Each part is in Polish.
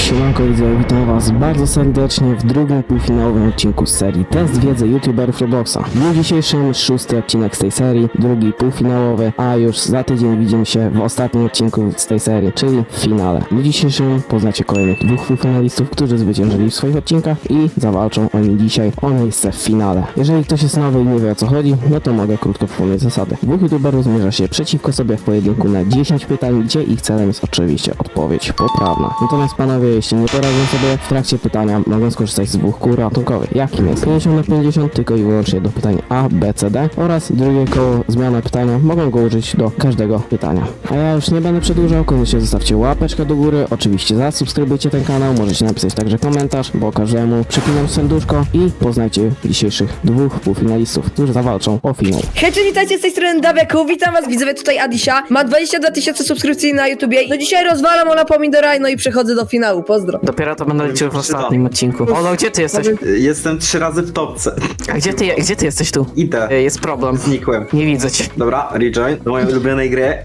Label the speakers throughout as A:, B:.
A: Siemanko widzowie, witam was bardzo serdecznie w drugim półfinałowym odcinku z serii Test wiedzy youtuberów Robloxa. W dniu dzisiejszym 6. odcinek z tej serii, drugi półfinałowy, a już za tydzień widzimy się w ostatnim odcinku z tej serii, czyli w finale. W dniu dzisiejszym poznacie kolejnych dwóch półfinalistów, którzy zwyciężyli w swoich odcinkach i zawalczą oni dzisiaj o miejsce w finale. Jeżeli ktoś jest nowy i nie wie o co chodzi, no to mogę krótko przypomnieć zasady. Dwóch youtuberów zmierza się przeciwko sobie w pojedynku na 10 pytań, gdzie ich celem jest oczywiście odpowiedź poprawna. Natomiast panowie, jeśli nie poradzą sobie w trakcie pytania, mogą skorzystać z dwóch kół ratunkowych. Jakim jest 50 na 50 tylko i wyłącznie do pytań A, B, C, D oraz drugie koło zmiana pytania mogą go użyć do każdego pytania. A ja już nie będę przedłużał, koniecznie zostawcie łapeczkę do góry, oczywiście zasubskrybujcie ten kanał, możecie napisać także komentarz, bo każdemu przypinam serduszko i poznajcie dzisiejszych dwóch półfinalistów, którzy zawalczą o finał.
B: Hej, cześć, witajcie z tej strony Daweku, witam was widzowie, tutaj Adisia, ma 22 000 subskrypcji na YouTubie, no dzisiaj rozwalam Ola Pomidora, no i przechodzę do finału, pozdro.
A: Dopiero to będę liczył w ostatnim odcinku. Olo, gdzie ty jesteś?
C: Jestem 3 razy w topce.
A: A gdzie ty jesteś tu?
C: Idę.
A: Jest problem.
C: Znikłem.
A: Nie widzę cię.
C: Dobra, rejoin do mojej ulubionej gry.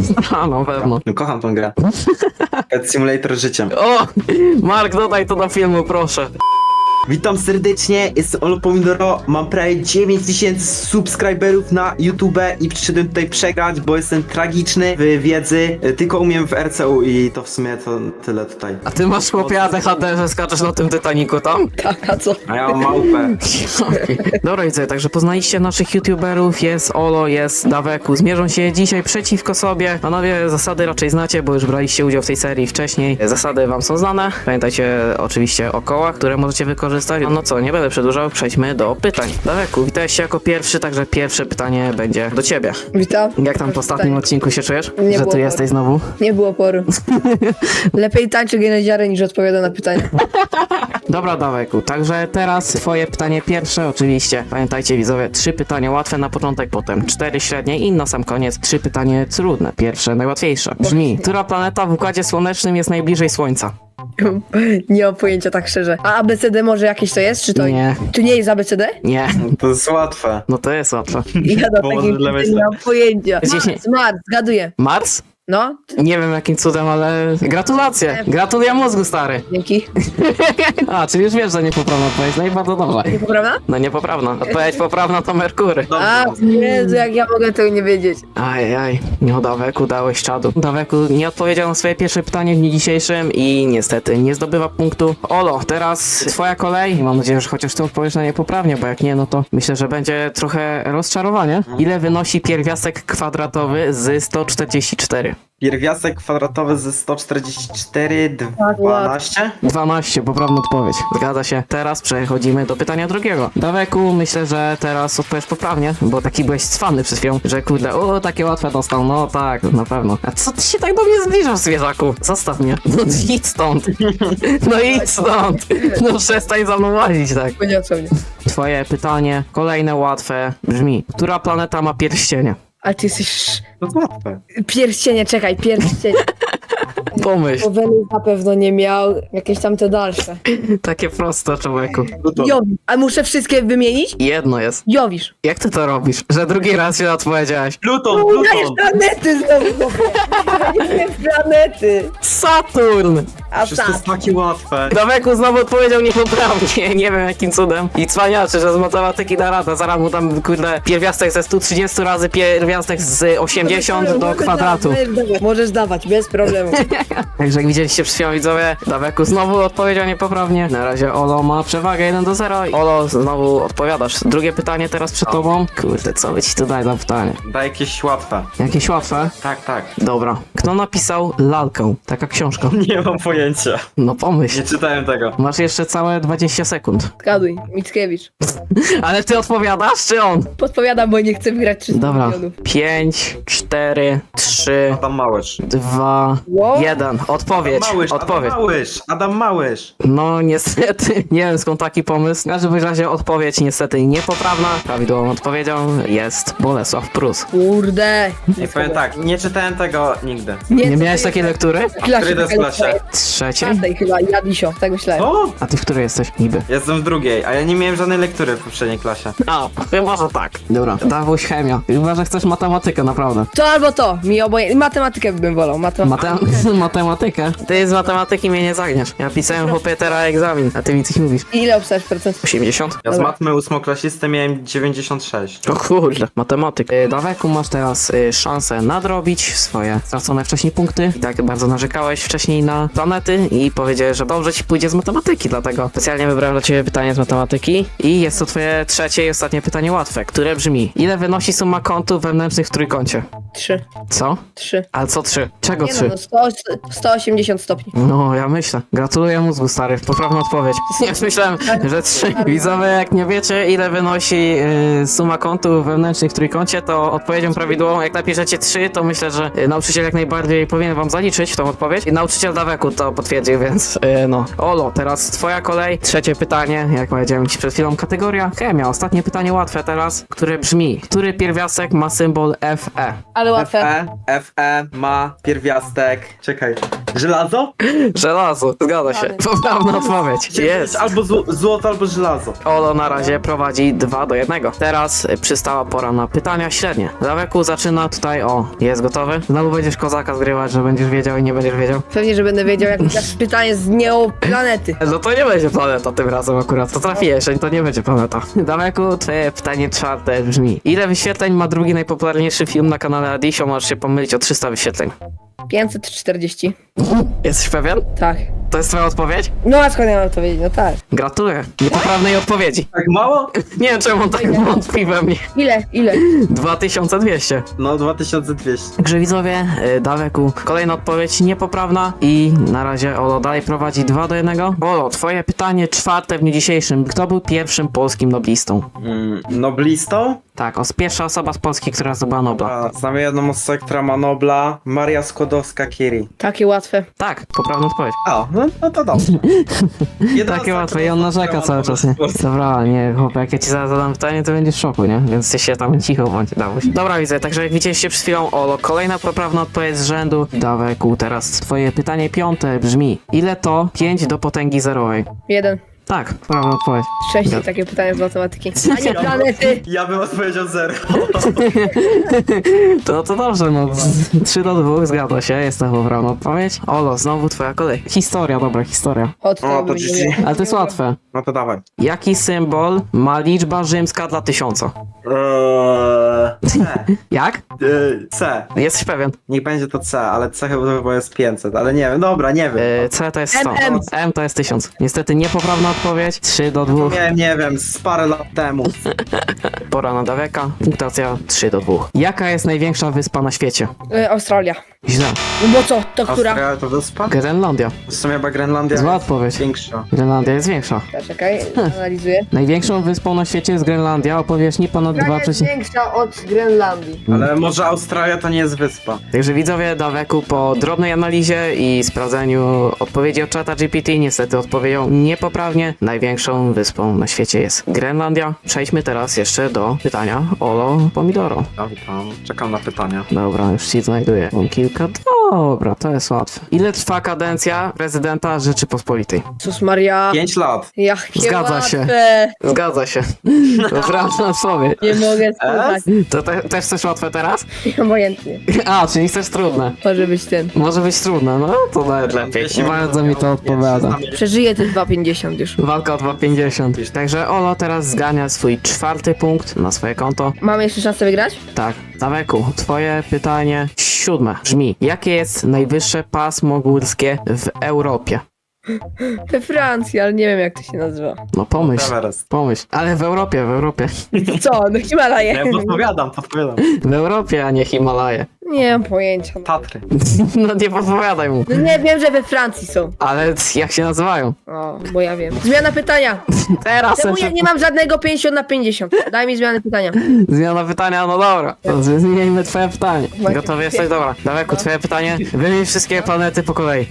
A: A no, pewno.
C: No, kocham tą grę. Pet Simulator życiem.
A: O! Mark, dodaj to do filmu, proszę.
C: Witam serdecznie, jestem Olo Pomidoro, mam prawie 9000 subskryberów na YouTube i przyszedłem tutaj przegrać, bo jestem tragiczny w wiedzy, tylko umiem w RCU i to w sumie to tyle tutaj.
A: A ty masz chłopie ADHD, że skaczesz na tym Titanicu tam?
B: Tak, a co?
C: A ja mam małpę.
A: Dobra widzę, także poznaliście naszych youtuberów, jest Olo, jest Daweku, zmierzą się dzisiaj przeciwko sobie. Panowie, zasady raczej znacie, bo już braliście udział w tej serii wcześniej. Zasady wam są znane, pamiętajcie oczywiście o kołach, które możecie wykorzystać. No co, nie będę przedłużał, przejdźmy do pytań. Daweku, witałeś się jako pierwszy, także pierwsze pytanie będzie do ciebie.
B: Witam.
A: Jak tam po ostatnim odcinku się czujesz?
B: Nie
A: Że
B: było
A: tu jesteś znowu?
B: Nie było poru. Lepiej tańczy geniadziarę niż odpowiada na pytania.
A: Dobra, Daweku, także teraz twoje pytanie pierwsze, oczywiście. Pamiętajcie widzowie, 3 pytania łatwe na początek, potem 4 średnie i na sam koniec 3 pytanie trudne. Pierwsze, najłatwiejsze. Brzmi, która planeta w Układzie Słonecznym jest najbliżej Słońca?
B: Nie mam pojęcia tak szczerze. A ABCD może jakieś to jest, czy to
A: Nie.
B: Tu nie jest ABCD?
A: Nie,
C: To jest łatwe.
A: no to jest łatwe.
B: Ja do
C: Może
B: takiej
C: dla
B: nie
C: myślę.
B: mam pojęcia.
A: Dziesięć.
B: Mars, zgaduję.
A: Mars?
B: No,
A: Nie wiem jakim cudem, ale gratulacje. Gratuluję mózgu, stary.
B: dzięki.
A: A, czyli już wiesz, że niepoprawna odpowiedź, no i bardzo dobrze.
B: Niepoprawna?
A: No niepoprawna. Odpowiedź poprawna to Merkury.
B: A, Jezu, jak ja mogę tego nie wiedzieć.
A: Ajaj, no Daweku, dałeś czadu. Daweku nie odpowiedział na swoje pierwsze pytanie w dniu dzisiejszym i niestety nie zdobywa punktu. Olo, teraz twoja kolej. I mam nadzieję, że chociaż ty odpowiesz na nie poprawnie, bo jak nie, no to myślę, że będzie trochę rozczarowanie. Ile wynosi pierwiastek kwadratowy z 144?
C: Pierwiastek kwadratowy ze 144, 12?
A: 12, poprawna odpowiedź. Zgadza się. Teraz przechodzimy do pytania drugiego. Daweku, myślę, że teraz odpowiesz poprawnie, bo taki byłeś cwany przed chwilą, że kurde, o, takie łatwe dostał. No tak, na pewno. A co ty się tak do mnie zbliżasz, zwierzaku? Zostaw mnie. No idź stąd. No idź stąd. No przestań za mną łazić, tak.
B: Poniosło mnie.
A: Twoje pytanie, kolejne łatwe, brzmi. Która planeta ma pierścienie?
B: A ty jesteś...
C: To jest łatwe.
B: Pierścienie, czekaj, pierścienie.
A: Pomyśl.
B: Bo Wenus na pewno nie miał, jakieś tam te dalsze.
A: Takie proste, człowieku.
B: Jowisz. A muszę wszystkie wymienić?
A: Jedno jest.
B: Jowisz.
A: Jak ty to robisz? Że drugi raz się odpowiedziałeś.
C: Pluton,
B: Dajesz planety znowu, nie planety.
A: Saturn!
B: A
C: Przecież to jest
B: tak.
C: takie łatwe.
A: Daweku znowu odpowiedział niepoprawnie, nie wiem jakim cudem. I cwaniaczy, że z matematyki da radę. Zaraz mu tam, kurde, pierwiastek ze 130 razy pierwiastek z 80 do kwadratu.
B: Możesz dawać, bez problemu.
A: Także jak widzieliście przed chwilą widzowie, Daweku znowu odpowiedział niepoprawnie. Na razie Olo ma przewagę 1-0. Olo, znowu odpowiadasz. Drugie pytanie teraz przed tobą. Kurde, co by ci tu dać za pytanie?
C: Daj jakieś łatwe.
A: Jakieś łatwe?
C: Tak, tak.
A: Dobra. Kto napisał Lalkę? Taka książka.
C: Nie mam pojęcia.
A: No pomyśl.
C: Nie czytałem tego.
A: Masz jeszcze całe 20 sekund.
B: Zgaduj, Mickiewicz.
A: Ale ty odpowiadasz, czy on?
B: Podpowiadam, bo nie chcę wygrać 300
A: Dobra.
B: milionów.
A: 5, 4, 3,
C: Adam Małysz.
A: 2,
B: Wow.
A: 1. Odpowiedź.
C: Małysz,
A: Odpowiedź.
C: Adam Małysz. Adam Małysz.
A: No niestety, nie wiem skąd taki pomysł. W każdym razie odpowiedź niestety niepoprawna. Prawidłową odpowiedzią jest Bolesław Prus.
B: Kurde.
C: I powiem tak, nie czytałem tego nigdy.
A: Nie miałeś takiej lektury?
B: Klasie,
C: Który to jest klasie?
A: Trzeciej?
B: Każdej chyba, ja Disio, tak myślałem.
C: O!
A: A ty w której jesteś? Niby.
C: Jestem w drugiej, a ja nie miałem żadnej lektury w poprzedniej klasie.
A: A, chyba, że tak. Dobra. Dawuś chemia. Chyba, że chcesz matematykę, naprawdę.
B: To albo to, mi obojętnie. Matematykę bym wolał, matematykę.
A: matematykę. Ty z matematyki mnie nie zagniesz. Ja pisałem chłopie teraz egzamin, a ty mi coś mówisz.
B: I ile obstawiasz procent?
A: 80?
C: Ja z
B: Dobra.
C: matmy ósmoklasisty miałem 96.
A: O kurde, matematyk. Daweku, masz teraz szansę nadrobić swoje stracone wcześniej punkty. I tak bardzo narzekałeś wcześniej na planety i powiedziałeś, że dobrze ci pójdzie z matematyki, dlatego specjalnie wybrałem dla ciebie pytanie z matematyki. I jest to twoje trzecie i ostatnie pytanie łatwe, które brzmi: ile wynosi suma kątów wewnętrznych w trójkącie?
B: 3.
A: Co?
B: 3.
A: Ale co 3? Czego
B: Nie
A: 3?
B: no, 180 stopni.
A: No, ja myślę. Gratuluję mózgu, stary. Poprawna odpowiedź. Ja myślałem, że 3. Widzowie, jak nie wiecie, ile wynosi suma kątów wewnętrznych w trójkącie, to odpowiedzią prawidłową, jak napiszecie 3, to myślę, że nauczyciel jak najbardziej powinien wam zaliczyć tą odpowiedź. I nauczyciel Daweku to potwierdził, więc no. Olo, teraz twoja kolej. Trzecie pytanie, jak powiedziałem ci przed chwilą, kategoria chemia. Ostatnie pytanie łatwe teraz, które brzmi: który pierwiastek ma symbol Fe?
B: Ale łatwe.
C: Fe ma pierwiastek. Czekaj. Żelazo?
A: Żelazo. Zgadza się. Poprawna odpowiedź. Jest.
C: Albo złoto, albo żelazo.
A: Olo na razie prowadzi 2-1. Teraz przystała pora na pytania średnie. Daweku zaczyna tutaj, jest gotowy? Znowu będziesz kozaka zgrywać, że będziesz wiedział i nie będziesz wiedział?
B: Pewnie, że będę wiedział, jak mi dasz pytanie z planety.
A: No to nie będzie planeta tym razem akurat, to trafiłeś, to nie będzie planeta. Daweku, twoje pytanie czwarte brzmi: ile wyświetleń ma drugi najpopularniejszy film na kanale Adisio? Możesz się pomylić o 300 wyświetleń.
B: 540.
A: Jesteś pewien?
B: Tak.
A: To jest twoja odpowiedź?
B: No a skąd ja mam to wiedzieć? No tak.
A: Gratuluję. Niepoprawnej odpowiedzi.
C: Tak mało?
A: Nie wiem czemu on tak wątpi we mnie.
B: Ile?
A: 2200.
C: No, 2200.
A: Także widzowie, Daweku, kolejna odpowiedź niepoprawna i na razie Olo dalej prowadzi 2-1. Olo, twoje pytanie czwarte w dniu dzisiejszym. Kto był pierwszym polskim noblistą?
C: Noblistą?
A: Tak, pierwsza osoba z Polski, która zdobyła Nobla.
C: Znamy jedną osobę, która ma Nobla. Maria Skłodowska-Curie.
B: Takie łatwe.
A: Tak, poprawna odpowiedź.
C: A, no to dobrze.
A: Takie łatwe i on narzeka cały czas, nie? Dobra, nie, chłopie, jak ja ci zaraz zadam pytanie, to będziesz w szoku, nie? Więc ty się tam cicho bądź, Dawuś. Dobra, widzę, także jak widzieliście przed chwilą, Olo, kolejna poprawna odpowiedź z rzędu. Daweku, teraz twoje pytanie piąte brzmi: ile to 5 do potęgi zerowej?
B: 1.
A: Tak, poprawna odpowiedź.
B: 6 takie pytania z matematyki. A nie planety.
C: Ja bym odpowiedział 0.
A: To dobrze, no 3-2, zgadza się, jest to poprawna odpowiedź. Olo, znowu twoja kolej. Historia, dobra, historia.
B: Od
C: O, to GG.
A: Ale to jest łatwe.
C: No to dawaj.
A: Jaki symbol ma liczba rzymska dla 1000?
C: C.
A: Jak?
C: C.
A: Jesteś pewien?
C: Niech będzie to C, ale C chyba jest 500, ale nie wiem, dobra, nie wiem.
A: C to jest 100.
B: M.
A: M to jest 1000. Niestety niepoprawna odpowiedź. 3-2.
C: Nie wiem, z parę lat temu.
A: Pora na Daweka. Punktacja 3-2. Jaka jest największa wyspa na świecie?
B: Australia.
A: Źle.
B: No bo co? To która?
C: Australia to wyspa?
A: Grenlandia.
C: W sumie chyba Grenlandia
A: Zła
C: jest
A: odpowiedź.
C: większa.
A: Grenlandia jest większa.
B: Czekaj, analizuję.
A: Największą wyspą na świecie jest Grenlandia o powierzchni ponad 2,
B: jest większa od Grenlandii.
C: Ale może Australia to nie jest wyspa.
A: Także widzowie, Daweku po drobnej analizie i sprawdzeniu odpowiedzi od czata GPT niestety odpowiedział niepoprawnie. Największą wyspą na świecie jest Grenlandia. Przejdźmy teraz jeszcze do pytania Olo Pomidoro.
C: Ja witam, czekam na pytania.
A: Dobra, już ci znajduję. Mam kilka. Dobra, to jest łatwe. Ile trwa kadencja prezydenta Rzeczypospolitej?
B: Sus Maria.
C: 5 lat.
B: Jakie
A: Zgadza się.
B: łatwe.
A: Zgadza się. Poprawna odpowiedź.
B: Nie mogę słuchać.
A: To też chcesz łatwe teraz?
B: Obojętnie.
A: A, czyli chcesz trudne.
B: Może być ten.
A: Może być trudne, no to nawet lepiej. Bardzo mi to odpowiada.
B: Przeżyję te 2,50 już.
A: Walka o 2,50. Także Olo teraz zgania swój czwarty punkt na swoje konto.
B: Mamy jeszcze szansę wygrać?
A: Tak, Daweku, twoje pytanie siódme brzmi: jakie jest najwyższe pasmo górskie w Europie?
B: We Francji, ale nie wiem jak to się nazywa.
A: No pomyśl,
C: Everest.
A: pomyśl. Ale w Europie, w Europie.
B: Co? No Himalaje.
C: Ja podpowiadam.
A: W Europie, a nie Himalaje.
B: Nie mam pojęcia.
C: Tatry.
A: No nie podpowiadaj mu.
B: No nie wiem, że we Francji są.
A: Ale jak się nazywają?
B: O, bo ja wiem. Zmiana pytania.
A: Teraz
B: Czemu ja nie mam żadnego 50 na 50? Daj mi zmianę pytania.
A: zmiana pytania, no dobra. To zmienimy twoje pytanie. Gotowy jesteś? Dobra. Daweku, twoje pytanie. Wymień wszystkie planety po kolei.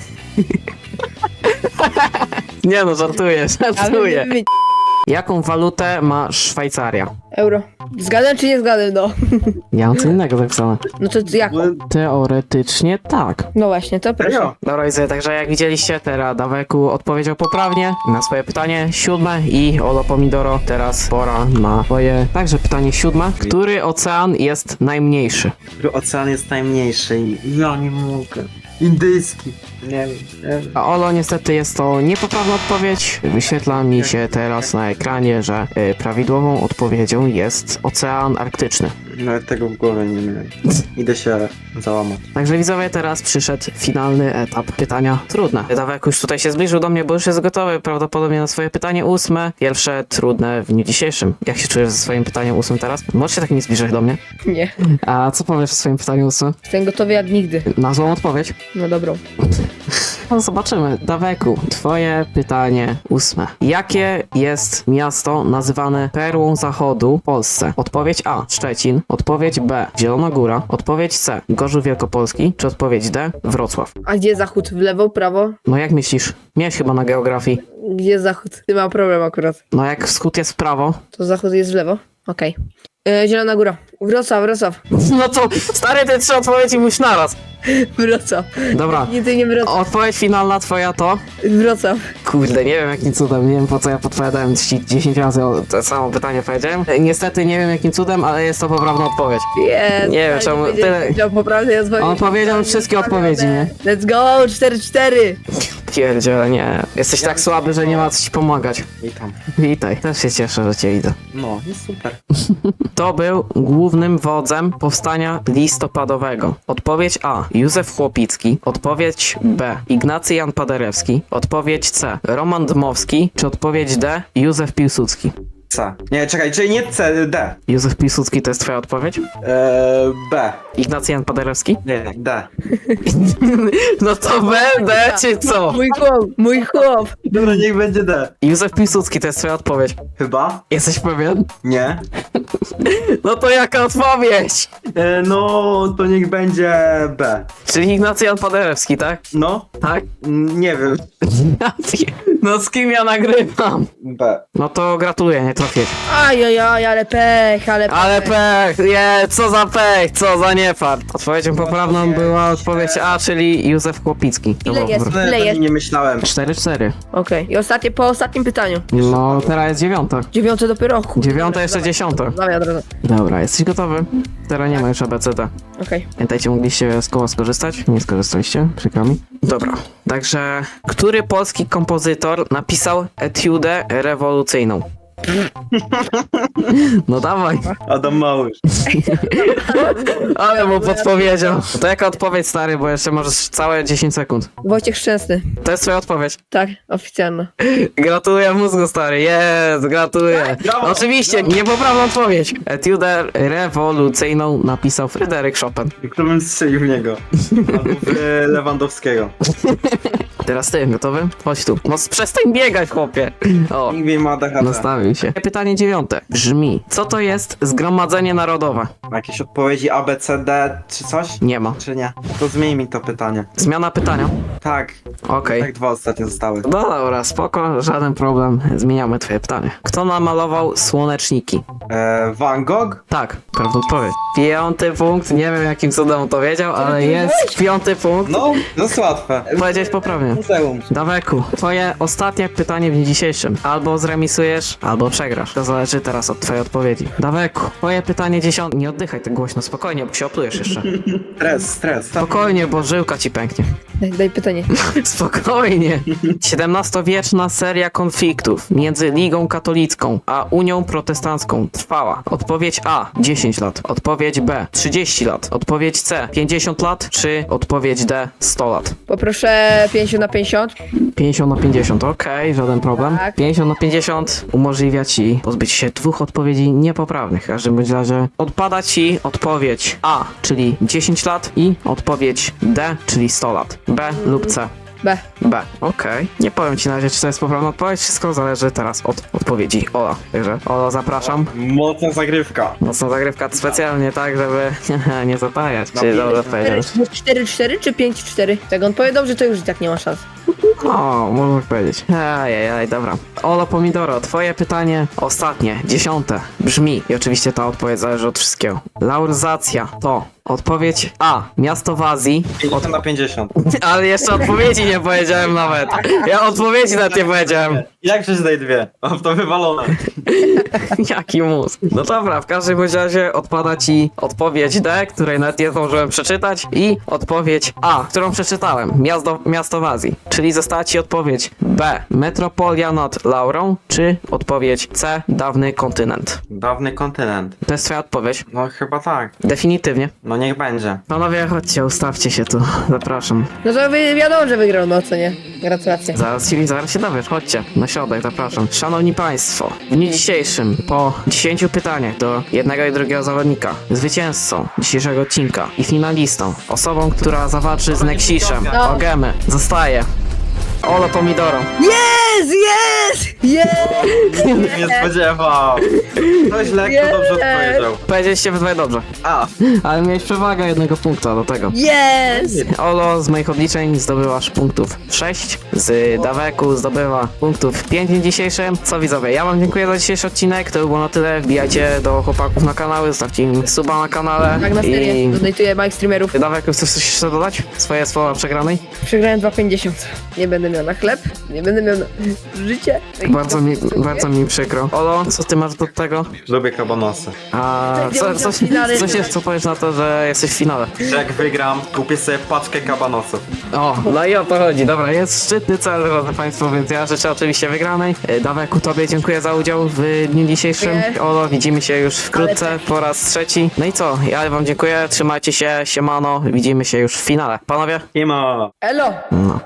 A: Nie no, żartuję, żartuję. Jaką walutę ma Szwajcaria?
B: Euro. Zgadłem czy nie zgadłem, no.
A: Ja mam co innego zapisane.
B: No to jak?
A: Teoretycznie tak.
B: No właśnie, to proszę.
C: Serio?
A: Dobra, widzę, także jak widzieliście, teraz Daweku odpowiedział poprawnie na swoje pytanie siódme i Olo Pomidoro, teraz pora na twoje także pytanie siódme. Który ocean jest najmniejszy?
C: Który ocean jest najmniejszy? Ja nie mogę. Indyjski. Nie wiem, nie wiem.
A: A Olo, niestety jest to niepoprawna odpowiedź. Wyświetla mi się teraz na ekranie, że prawidłową odpowiedzią jest Ocean Arktyczny.
C: Nawet tego w głowie nie miałem. Idę się załamać.
A: Także widzowie, teraz przyszedł finalny etap. Pytania trudne. Dawek już tutaj się zbliżył do mnie, bo już jest gotowy prawdopodobnie na swoje pytanie 8. Pierwsze trudne w dniu dzisiejszym. Jak się czujesz ze swoim pytaniem 8 teraz? Możesz się tak nie zbliżać do mnie.
B: Nie.
A: A co powiesz o swoim pytaniu 8?
B: Jestem gotowy jak nigdy.
A: Na złą odpowiedź?
B: No dobrą.
A: No zobaczymy. Daweku, twoje pytanie 8. Jakie jest miasto nazywane perłą zachodu w Polsce? Odpowiedź A. Szczecin. Odpowiedź B. Zielona Góra. Odpowiedź C. Gorzów Wielkopolski. Czy odpowiedź D. Wrocław?
B: A gdzie zachód? W lewo, prawo?
A: No jak myślisz? Miałeś chyba na geografii.
B: Gdzie zachód? Ty mam problem akurat.
A: No jak wschód jest w prawo?
B: To zachód jest w lewo? Okej. Zielona Góra. Wrocław.
A: No to stary, te 3 odpowiedzi musisz naraz.
B: Wrocław.
A: Dobra.
B: Nie, ty nie Wrocław.
A: Odpowiedź finalna twoja to?
B: Wrocław.
A: Kurde, nie wiem jakim cudem, nie wiem po co ja podpowiadałem ci 10 razy to samo pytanie powiedziałem. Niestety nie wiem jakim cudem, ale jest to poprawna odpowiedź.
B: Jest.
A: Nie wiem, czemu tyle-
B: Poprawnie
A: On powiedział wszystkie odpowiedzi, nie?
B: Let's go, 4-4.
A: Pierdziele, nie. Jesteś tak słaby, że nie ma co ci pomagać.
C: Witam.
A: Witaj, też się cieszę, że cię widzę.
C: No, jest super.
A: Kto był głównym wodzem powstania listopadowego? Odpowiedź A. Józef Chłopicki. Odpowiedź B. Ignacy Jan Paderewski. Odpowiedź C. Roman Dmowski. Czy odpowiedź D. Józef Piłsudski?
C: C. Nie, czekaj, czyli nie C, D.
A: Józef Piłsudski to jest twoja odpowiedź?
C: B.
A: Ignacy Jan Paderewski?
C: Nie, D.
A: No to B, D czy co?
B: Mój chłop.
C: Dobra, niech będzie D.
A: Józef Piłsudski to jest twoja odpowiedź.
C: Chyba?
A: Jesteś pewien?
C: Nie.
A: No to jaka odpowiedź?
C: No, to niech będzie B.
A: Czyli Ignacy Jan Paderewski, tak?
C: No?
A: Tak?
C: Nie wiem.
A: No z kim ja nagrywam?
C: B.
A: No to gratuluję, nie trafiłeś.
B: Ajajaj, ale pech, ale pech.
A: Ale pech, co za pech, co za niefart. Odpowiedzią poprawną była odpowiedź A, czyli Józef Chłopicki.
B: Ile jest?
C: No,
B: Ile
C: ja
B: jest?
C: nie myślałem.
A: 4-4.
B: Okej. I ostatnie, po ostatnim pytaniu.
A: No teraz jest 9.
B: 9 dopiero. Kurde.
A: 9 jeszcze 10.
B: Dawaj od razu.
A: Dobra, jesteś gotowy? Teraz nie ma już ABCD.
B: Okej.
A: Pamiętajcie, mogliście z koła skorzystać? Nie skorzystaliście, przykro mi. Dobra, także który polski kompozytor napisał etiudę rewolucyjną? No dawaj.
C: Adam Małysz.
A: Ale mu podpowiedział. To jaka odpowiedź, stary, bo jeszcze możesz całe 10 sekund.
B: Wojciech Szczęsny.
A: To jest twoja odpowiedź.
B: Tak, oficjalna.
A: Gratuluję mózgu, stary. Jest, gratuluję.
C: Brawo,
A: Oczywiście, niepoprawna odpowiedź. Etiudę rewolucyjną napisał Fryderyk Chopin.
C: Kto bym strzelił w niego? Albo w Lewandowskiego.
A: Teraz ty, gotowy? Chodź tu. No przestań biegać, chłopie. O,
C: Nikt ma ADHD.
A: nastawił się. Pytanie 9. Brzmi, co to jest Zgromadzenie Narodowe?
C: Jakieś odpowiedzi A, B, C, D czy coś?
A: Nie ma.
C: Czy nie? To zmień mi to pytanie.
A: Zmiana pytania.
C: Tak.
A: Okej.
C: Tak 2 ostatnie zostały.
A: No dobra, spoko, żaden problem. Zmieniamy twoje pytanie. Kto namalował słoneczniki?
C: Van Gogh?
A: Tak, prawda odpowiedź. 5 punkt, nie wiem jakim cudem to wiedział, ale jest 5 punkt.
C: No, to jest łatwe.
A: Powiedziałeś poprawnie.
C: Muzeum.
A: Daweku, twoje ostatnie pytanie w dniu dzisiejszym. Albo zremisujesz, albo przegrasz. To zależy teraz od twojej odpowiedzi. Daweku, twoje pytanie 10. Nie oddychaj tak głośno, spokojnie, bo się oplujesz jeszcze.
C: Stres.
A: Spokojnie, bo żyłka ci pęknie.
B: Daj pytanie.
A: Spokojnie. XVII-wieczna seria konfliktów między Ligą Katolicką a Unią Protestancką trwała. Odpowiedź A 10 lat. Odpowiedź B 30 lat. Odpowiedź C 50 lat. Czy odpowiedź D 100 lat?
B: Poproszę 50 na 50.
A: 50 na 50, okej, żaden problem.
B: Tak.
A: 50 na 50 umożliwia ci pozbyć się 2 odpowiedzi niepoprawnych. W każdym bądź razie odpada ci odpowiedź A, czyli 10 lat i odpowiedź D, czyli 100 lat. B lub C.
B: B.
A: B, okej. Nie powiem ci na razie, czy to jest poprawna odpowiedź. Wszystko zależy teraz od odpowiedzi Ola. Także Ola, zapraszam.
C: Mocna zagrywka.
A: Mocna zagrywka specjalnie tak, żeby nie zatajać. Czyli dobrze odpowiedziałeś.
B: 4-4 czy 5-4? Jak on powie dobrze, to już i tak nie ma szans.
A: O, można tak powiedzieć. Ajajaj, dobra. Olo Pomidoro, twoje pytanie ostatnie, 10. Brzmi, i oczywiście ta odpowiedź zależy od wszystkiego. Lauryzacja to Odpowiedź A. Miasto w Azji.
C: 50 na 50.
A: Ale jeszcze odpowiedzi nie powiedziałem nawet. Ja odpowiedzi nawet nie powiedziałem.
C: Jak przeczytaj dwie? Mam to wywalone.
A: Jaki mus. No dobra, w każdym bądź razie odpada ci odpowiedź D, której nawet nie zdążyłem przeczytać, i odpowiedź A, którą przeczytałem. Miasto w Azji. Czyli została ci odpowiedź B. Metropolia nad Laurą, czy odpowiedź C. Dawny kontynent.
C: Dawny kontynent.
A: To jest twoja odpowiedź.
C: No chyba tak.
A: Definitywnie.
C: No niech będzie.
A: Panowie, chodźcie, ustawcie się tu. Zapraszam.
B: No to wiadomo, że wygrał, no co nie? Gratulacje.
A: Zaraz się dowiesz, chodźcie, na środek, zapraszam. Szanowni Państwo, w dniu dzisiejszym, po 10 pytaniach do jednego i drugiego zawodnika, zwycięzcą dzisiejszego odcinka i finalistą, osobą, która zawalczy z Nexishem,
B: No.
A: o gemy, zostaje Olo Pomidoro.
B: Jest! Jest! Jest!
C: Nie spodziewał. Ktoś lekko dobrze odpowiedział.
A: Powiedzieliście we dwoje dobrze,
C: A,
A: ale miałeś przewagę 1 punkta do tego.
B: Jest!
A: Olo z moich obliczeń zdobywasz punktów 6, z Daweku zdobywa punktów 5 w dniu dzisiejszym. Co widzowie, ja wam dziękuję za dzisiejszy odcinek, to było na tyle. Wbijajcie do chłopaków na kanały, zostawcie im suba na kanale.
B: Tak na serię.
A: I
B: Donatuję moich streamerów.
A: Daweku, chcesz coś jeszcze dodać? Swoje słowa przegranej?
B: Przegrałem 2,50. Nie będę miał na chleb, nie będę miał na życie.
A: Bardzo mi przykro. Olo, co ty masz do tego?
C: lubię kabanosy.
A: A co powiesz na to, że jesteś w finale?
C: Że jak wygram, kupię sobie paczkę kabanosów.
A: O, no i o to chodzi. Dobra, jest szczytny cel, drodzy Państwo, więc ja życzę oczywiście wygranej. Daweku, tobie dziękuję za udział w dniu dzisiejszym.
B: Dziękuję.
A: Olo, widzimy się już wkrótce,
B: Ale tak.
A: po raz trzeci. No i co, ja wam dziękuję, trzymajcie się, siemano, widzimy się już w finale. Panowie?
C: Nie ma.
B: Elo!
A: No.